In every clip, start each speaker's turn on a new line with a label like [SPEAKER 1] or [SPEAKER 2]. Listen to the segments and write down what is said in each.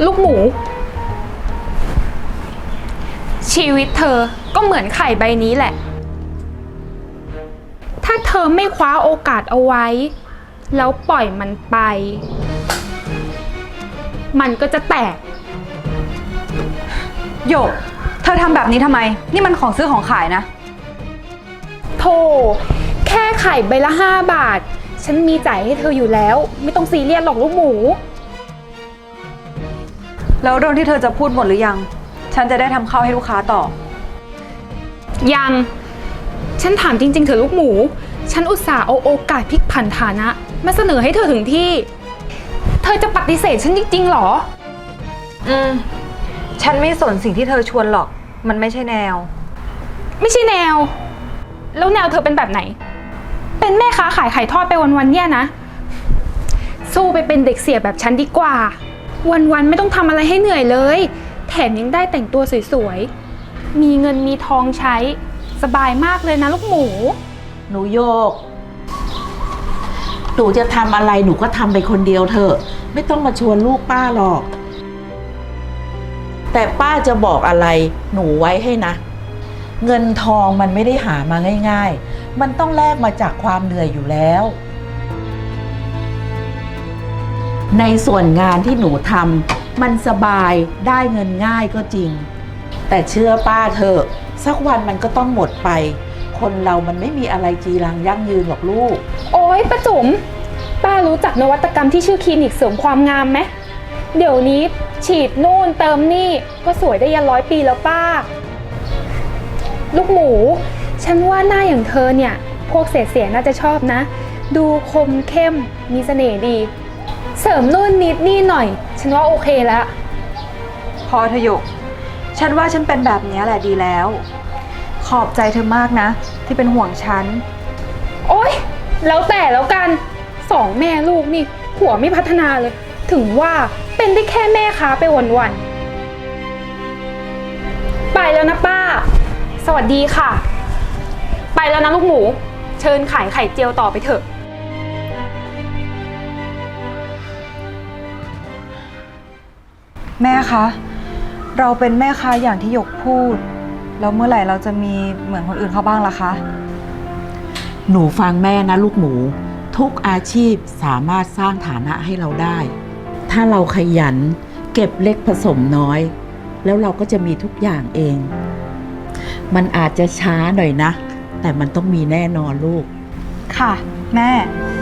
[SPEAKER 1] ลูกหมูชีวิตเธอก็เหมือนไข่ใบนี้แหละถ้าเธอไม่คว้าโอกาสเอาไว้แล้วปล่อยมันไปมันก็จะแตก
[SPEAKER 2] โยกเธอทำแบบนี้ทำไมนี่มันของซื้อของขายนะ
[SPEAKER 1] โธ่แค่ไข่ใบละ5 บาทฉันมีจ่ายให้เธออยู่แล้วไม่ต้องซีเรียสหรอกลูกหมู
[SPEAKER 2] แล้วเรื่องที่เธอจะพูดหมดหรือยังฉันจะได้ทำข้าวให้ลูกค้าต่อ
[SPEAKER 1] ยังฉันถามจริงๆเถอะลูกหมูฉันอุตส่าห์เอาโอกาสพลิกผันฐานะมาเสนอให้เธอถึงที่เธอจะปฏิเสธฉันจริงๆหรอ
[SPEAKER 2] ฉันไม่สนสิ่งที่เธอชวนหรอกมันไม่ใช่แนว
[SPEAKER 1] ไม่ใช่แนวแล้วแนวเธอเป็นแบบไหนเป็นแม่ค้าขายไข่ทอดไปวันๆเนี่ยนะสู้ไปเป็นเด็กเสียแบบฉันดีกว่าวันๆไม่ต้องทำอะไรให้เหนื่อยเลยแถมยังได้แต่งตัวสวยๆมีเงินมีทองใช้สบายมากเลยนะลูกหมู
[SPEAKER 3] หนูโยกหนูจะทำอะไรหนูก็ทำไปคนเดียวเถอะไม่ต้องมาชวนลูกป้าหรอกแต่ป้าจะบอกอะไรหนูไว้ให้นะเงินทองมันไม่ได้หามาง่ายๆมันต้องแลกมาจากความเหนื่อยอยู่แล้วในส่วนงานที่หนูทำมันสบายได้เงินง่ายก็จริงแต่เชื่อป้าเถอะสักวันมันก็ต้องหมดไปคนเรามันไม่มีอะไรจีรังยั่งยืนหรอกลูก
[SPEAKER 1] โอ๊ยป้าจุ๋มป้ารู้จักนวัตกรรมที่ชื่อคลินิกเสริมความงามไหมเดี๋ยวนี้ฉีดนู่นเติมนี่ก็สวยได้ยัน100 ปีแล้วป้าลูกหมูฉันว่าหน้าอย่างเธอเนี่ยพวกเสียน่าจะชอบนะดูคมเข้มมีเสน่ห์ดีเสริมนู่นนิดนี่หน่อยฉันว่าโอเคแล้ว
[SPEAKER 2] พอเธอหยกฉันว่าฉันเป็นแบบนี้แหละดีแล้วขอบใจเธอมากนะที่เป็นห่วงฉัน
[SPEAKER 1] โอ๊ยแล้วแต่แล้วกัน2 แม่ลูกนี่หัวไม่พัฒนาเลยถึงว่าเป็นได้แค่แม่ค้าไปวันๆไปแล้วนะป้าสวัสดีค่ะไปแล้วนะลูกหมูเชิญขายไข่เจียวต่อไปเถอะ
[SPEAKER 2] แม่คะเราเป็นแม่ค้าอย่างที่หยกพูดแล้วเมื่อไหร่เราจะมีเหมือนคนอื่นเขาบ้างล่ะคะ
[SPEAKER 3] หนูฟังแม่นะลูกหมูทุกอาชีพสามารถสร้างฐานะให้เราได้ถ้าเราขยันเก็บเล็กผสมน้อยแล้วเราก็จะมีทุกอย่างเองมันอาจจะช้าหน่อยนะแต่มันต้องมีแน่นอนลูก
[SPEAKER 2] ค่ะแม่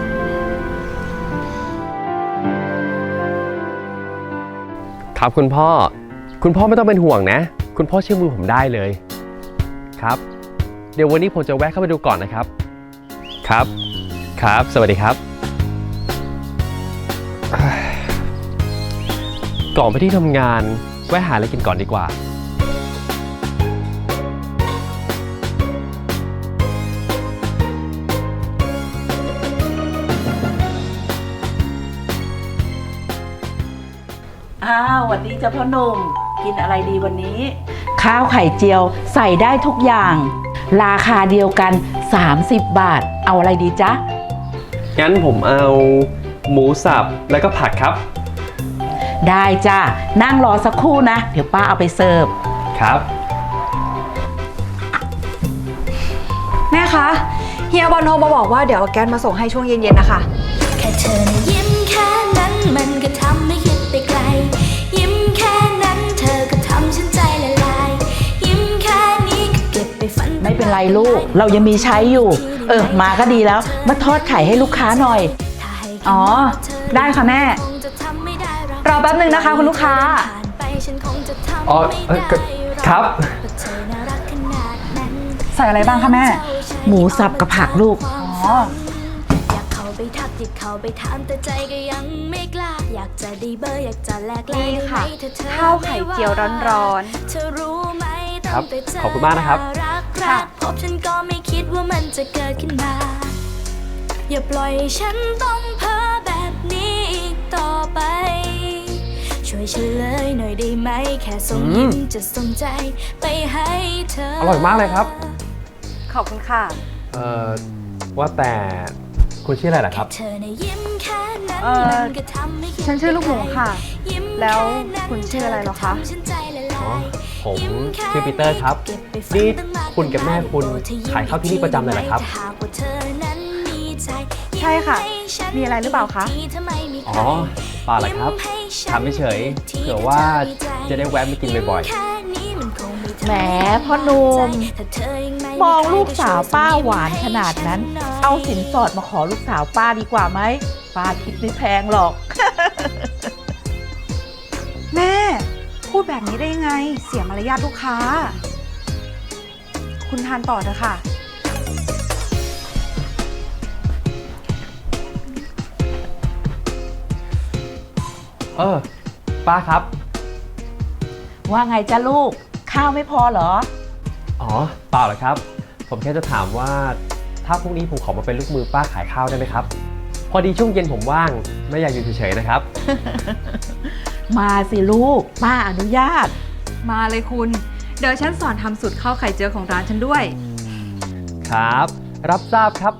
[SPEAKER 4] ครับคุณพ่อไม่ต้องเป็นห่วงนะคุณพ่อเชื่อมือผมได้เลยครับเดี๋ยววันนี้ผมจะแวะเข้าไปดูก่อนนะครับครับสวัสดีครับก่อนไปที่ทำงานแวะหาอะไรกินก่อนดีกว่า
[SPEAKER 3] สวัสดีจ้าพ่อหนุ่มกินอะไรดีวันนี้ข้าวไข่เจียวใส่ได้ทุกอย่างราคาเดียวกัน30 บาทเอาอะไรดีจ๊ะ
[SPEAKER 4] งั้นผมเอาหมูสับแล้วก็ผักครับ
[SPEAKER 3] ได้จ้านั่งรอสักครู่นะเดี๋ยวป้าเอาไปเสิร์ฟ
[SPEAKER 4] ครับ
[SPEAKER 2] แม่คะเฮียบอลโทรมาบอกว่าเดี๋ยวเอาแก๊สมาส่งให้ช่วงเย็นๆนะคะ
[SPEAKER 5] แค่เธอนะยิ้มแค่นั้นมันก็ทำให้คิดไปไกลยิ้มแค่นั้นเธอก็ทำฉันใจละลายยิ้มแค่นี้ก็เก็บไปฝัน
[SPEAKER 3] ไม่เป็นไรลูกเรายังมีใช้อยู่มาก็ดีแล้วมาทอดไข่ให้ลูกค้าหน่อย
[SPEAKER 2] อ๋อได้ค่ะแม่รอแป๊บนึงนะคะคุณลูกค้า
[SPEAKER 4] อ๋อครับ
[SPEAKER 2] ใส่อะไรบ้างคะแม่
[SPEAKER 3] หมูสับกับผักลูก
[SPEAKER 2] อ๋อ
[SPEAKER 5] ไปทักที่เขาไปถามแต่ใจก็ยังไม่กล้าอยากจะได้เบอร์อยากจะแลกไลน์
[SPEAKER 2] ค่ะข้าวไข่เจียวร้อน
[SPEAKER 5] ๆเธอรู้ไหม
[SPEAKER 4] ครับขอบคุณมากนะครับ
[SPEAKER 5] ค่ะพบฉันก็ไม่คิดว่ามันจะเกิดขึ้นมาอย่าปล่อยฉันต้องเพ้อแบบนี้อีกต่อไปช่วยเฉลยหน่อยได้ไหมแค่ส่งยิ้มจะส่งใจไปให้เธอ
[SPEAKER 4] อร่อยมากเลยครับ
[SPEAKER 2] ขอบคุณค่ะ
[SPEAKER 4] ว่าแต่คุณชื่ออะไรล่ะครับ
[SPEAKER 2] ฉันชื่อลูกหมูค่ะแล้วคุณชื่ออะไรเหรอคะ
[SPEAKER 4] อ๋อ ผมชื่อปีเตอร์ครับ นี่คุณกับแม่คุณขายข้าวที่นี่ประจำเลยเหรอครับ
[SPEAKER 2] ใช่ค่ะ มีอะไรหรือเปล่าคะ
[SPEAKER 4] อ๋อเปล่าหรอกครับถามเฉยๆเผื่อว่าจะได้แวะมากินบ่อย
[SPEAKER 3] แหมพ่อหนุ่มมองลูกสาวป้าหวานขนาดนั้น เอาสินสอดมาขอลูกสาวป้าดีกว่าไหมป้าคิดไม่แพงหรอก
[SPEAKER 2] แม่ พูดแบบนี้ได้ยังไง เสียมารยาทลูกค้า คุณทานต่อเถอะค่ะ
[SPEAKER 4] ป้าครับ
[SPEAKER 3] ว่าไงจ้าลูก ข้าวไม่พอเหรอ
[SPEAKER 4] อ๋อเปล่าหรอกครับ ผมแค่จะถามว่าถ้าพรุ่งนี้ผมขอมาเป็นลูกมือป้าขายข้าวได้ไหมครับ พอดีช่วงเย็นผมว่างไม่อยากอยู่เฉยๆนะครับ
[SPEAKER 3] มาสิลูก ป้าอนุญาต
[SPEAKER 2] มาเลยคุณ เดี๋ยวฉันสอนทำสูตรข้าวไข่เจียวของร้านฉันด้วย
[SPEAKER 4] ครับ รับทราบครับ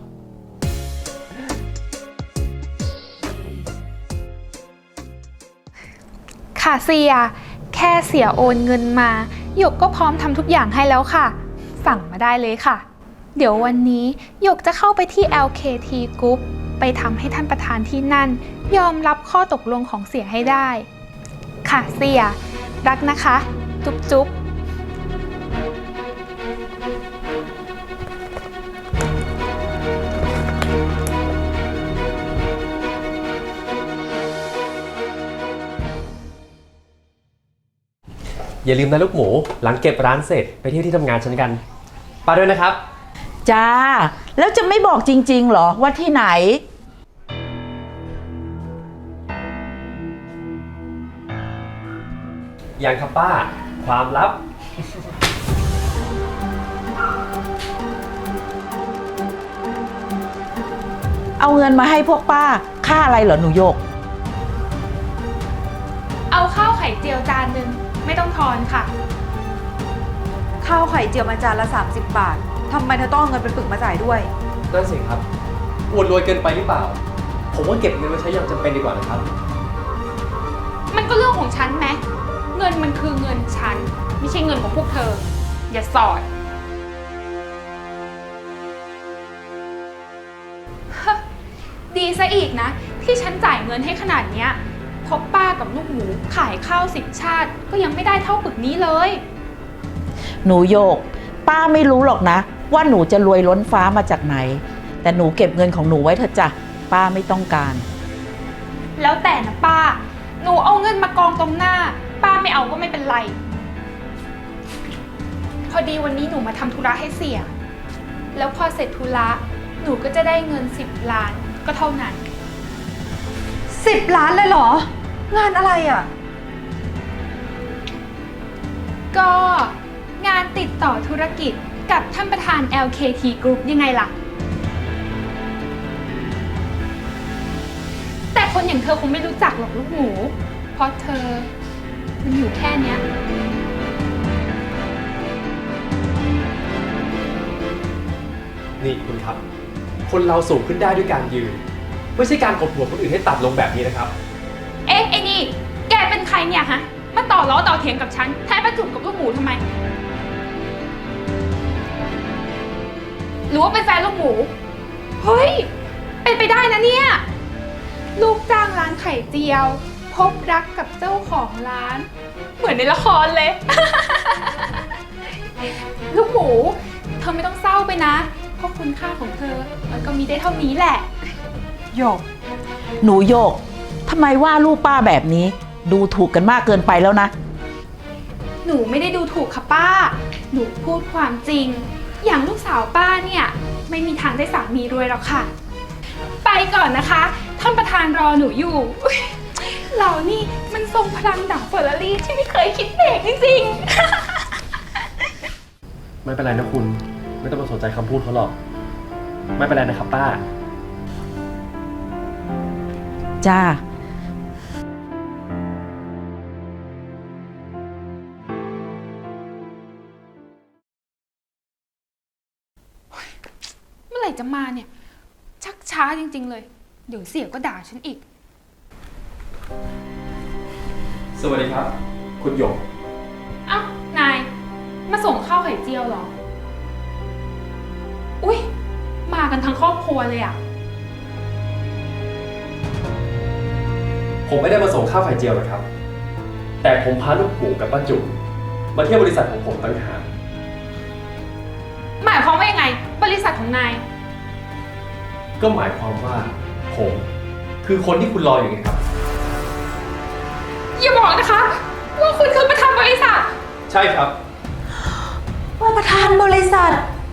[SPEAKER 1] ค่ะเสีย แค่เสียโอนเงินมาหยกก็พร้อมทำทุกอย่างให้แล้วค่ะ สั่งมาได้เลยค่ะ เดี๋ยววันนี้หยกจะเข้าไปที่ LKT Group ไปทำให้ท่านประธานที่นั่น ยอมรับข้อตกลงของเสียให้ได้ ค่ะเสีย รักนะคะ จุ๊บจุ๊บ
[SPEAKER 4] อย่าลืมนะลูกหมู หลังเก็บร้านเสร็จไปเที่ยวที่ทำงานฉันกันป้าด้วยนะครับ
[SPEAKER 3] จ้า แล้วจะไม่บอกจริงๆเหรอว่าที่ไหน
[SPEAKER 4] ยังครับป้า ความลับ
[SPEAKER 3] เอาเงินมาให้พวกป้า ค่าอะไรเหรอหนูโยก
[SPEAKER 1] เอาข้าวไข่เจียวจานหนึ่งไม่ต้องทอนค่ะ
[SPEAKER 2] ข้าวไข่เจียวมาจานละ 30 บาท ทำไมเธอต้องเอาเงินเป็นปึกมาจ่ายด้วย
[SPEAKER 4] นั่นสิครับอวดรวยเกินไปหรือเปล่า ผมว่าเก็บเงินไว้ใช้อย่างจำเป็นดีกว่านะครับ
[SPEAKER 1] มันก็เรื่องของฉันไหมเงินมันคือเงินฉัน ไม่ใช่เงินของพวกเธอ อย่าสอด ดีซะอีกนะ ที่ฉันจ่ายเงินให้ขนาดเนี้ยเพราะป้ากับลูกหมูขายข้าว10 ชาติก็ยังไม่ได้เท่าปึกนี้เลย
[SPEAKER 3] หนูโยก ป้าไม่รู้หรอกนะ ว่าหนูจะรวยล้นฟ้ามาจากไหน แต่หนูเก็บเงินของหนูไว้เถอะจ้ะป้าไม่ต้องการ
[SPEAKER 1] แล้วแต่นะป้า หนูเอาเงินมากองตรงหน้า ป้าไม่เอาก็ไม่เป็นไร พอดีวันนี้หนูมาทำธุระให้เสีย แล้วพอเสร็จธุระหนูก็จะได้เงิน10 ล้านก็เท่านั้น
[SPEAKER 2] 10 ล้านเลยเหรอ งานอะไรอ่ะ
[SPEAKER 1] ก็งานติดต่อธุรกิจกับท่านประธาน LKT Group ยังไงล่ะ แต่คนอย่างเธอคงไม่รู้จักหรอกลูกหมู เพราะเธอมันอยู่แค่เนี้ย
[SPEAKER 4] นี่คุณครับ คนเราสูงขึ้นได้ด้วยการยืน ไม่ใช่การกดหัวคนอื่นให้ต่ำลงแบบนี้นะครับ
[SPEAKER 1] เอ๊ะไอ้นี่ แกเป็นใครเนี่ยฮะ มาต่อล้อต่อเถียงกับฉันแทนประจุบกับลูกหมูทำไม หรือว่าเป็นแฟนลูกหมู เฮ้ย เป็นไปได้นะเนี่ย ลูกจ้างร้านไข่เจียว พบรักกับเจ้าของร้าน เหมือนในละครเลย ลูกหมู เธอไม่ต้องเศร้าไปนะ เพราะคุณค่าของเธอ มันก็มีได้เท่านี้แหละ
[SPEAKER 2] โยก
[SPEAKER 3] หนูโยกทำไมว่าลูกป้าแบบนี้ ดูถูกกันมากเกินไปแล้วนะ
[SPEAKER 1] หนูไม่ได้ดูถูกค่ะป้า หนูพูดความจริง อย่างลูกสาวป้าเนี่ย ไม่มีทางได้สามีรวยหรอกค่ะ ไปก่อนนะคะ ท่านประธานรอหนูอยู่อุ๊ยเรานี่มันทรงพลังดั่งเฟอร์รารี่ที่ไม่เคยคิดเบรกจริงๆ
[SPEAKER 4] ไม่เป็นไรนะคุณ ไม่ต้องมาสนใจคำพูดเขาหรอก ไม่เป็นไรนะครับป้า
[SPEAKER 3] จ้า
[SPEAKER 1] เมื่อไหร่จะมาเนี่ย ชักช้าจริงๆเลย เดี๋ยวเสียก็ด่าฉันอีก
[SPEAKER 4] สวัสดีครับ คุณหยก
[SPEAKER 1] อ้าว นาย มาส่งข้าวไข่เจียวเหรอ อุ๊ย มากันทั้งครอบครัวเลยอะ
[SPEAKER 4] ผมไม่ได้มาส่งข้าวไข่เจียวหรอกครับ แต่ผมพาลูกหมูกับป้าจุ๋มมาเที่ยวบริษัทของผมต่างหาก
[SPEAKER 1] หมายความว่ายังไง บริษัทของนาย
[SPEAKER 4] ก็หมายความว่าผมคือคนที่คุณรออยู่ไงครับ
[SPEAKER 1] อย่าบอกนะคะ ว่าคุณคือประธานบริษัท
[SPEAKER 4] ใช่ครับ
[SPEAKER 2] ว่าประธานบริษัท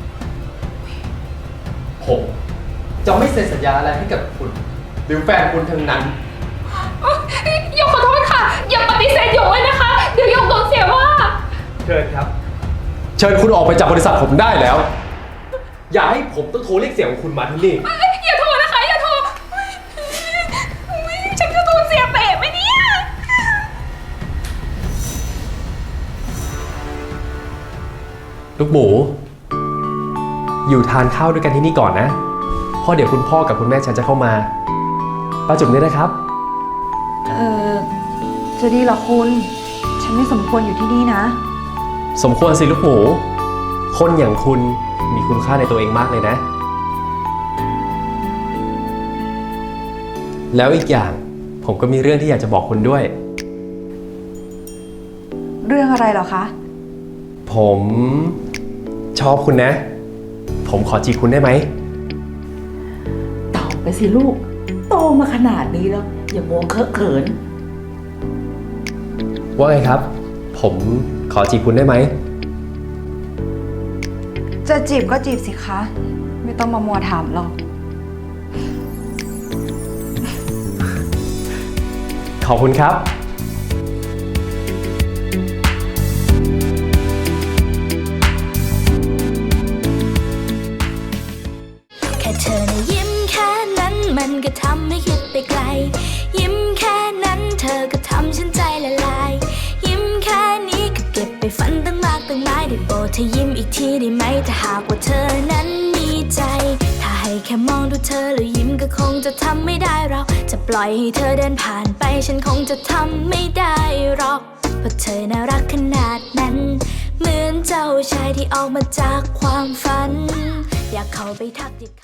[SPEAKER 4] ผมจะไม่เซ็นสัญญาอะไรให้กับคุณ หรือแฟนคุณทั้งนั้น
[SPEAKER 1] หยกขอโทษค่ะ อย่าปฏิเสธหยกเลยนะคะ เดี๋ยวหยกโดนเสียว่า
[SPEAKER 4] เชิญครับ เชิญคุณออกไปจากบริษัทผมได้แล้ว อย่าให้ผมต้องโทรเรียกเสียงของคุณมาที่นี่
[SPEAKER 1] อย่าโทรนะคะ อย่าโทรฉันจะโดนเสียเตะไหมเนี่ย
[SPEAKER 4] ลูกหมู อยู่ทานข้าวด้วยกันที่นี่ก่อนนะเพราะเดี๋ยวคุณพ่อกับคุณแม่ฉันจะเข้ามาป้าจุ๋มเนี่ยนะครับ
[SPEAKER 2] จะดีเหรอคุณ ฉันไม่สมควรอยู่ที่นี่นะ
[SPEAKER 4] สมควรสิลูกหมู คนอย่างคุณมีคุณค่าในตัวเองมากเลยนะ แล้วอีกอย่างผมก็มีเรื่องที่อยากจะบอกคุณด้วย
[SPEAKER 2] เรื่องอะไรเหรอคะ
[SPEAKER 4] ผมชอบคุณนะ ผมขอจีบคุณได้ไหม
[SPEAKER 3] ตอบไปสิลูก โตมาขนาดนี้แล้ว อย่ามัวเคอะเขิน
[SPEAKER 4] ว่าไงครับ ผมขอจีบคุณได้ไหม
[SPEAKER 2] จะจีบก็จีบสิคะ ไม่ต้องมามัวถามหรอก
[SPEAKER 4] ขอบคุณครับ
[SPEAKER 5] แค่เธอนะยิ้มแค่นั้นมันก็ทำให้คิดไปไกล ยิ้มแค่นั้นเธอก็ทำฉันใจละลาย ยิ้มแค่นี้ก็เก็บไปฝันตั้งมากตั้งหลายได้โปรดเธอยิ้มอีกทีได้ไหมถ้าหากว่าเธอนั้นมีใจ ถ้าให้แค่มองดูเธอแล้วยิ้มก็คงจะทำไม่ได้เราจะปล่อยให้เธอเดินผ่านไปฉันคงจะทำไม่ได้หรอกเพราะเธอน่ารักขนาดนั้น เหมือนเจ้าชายที่ออกมาจากความฝัน อยากเข้าไปทักทิ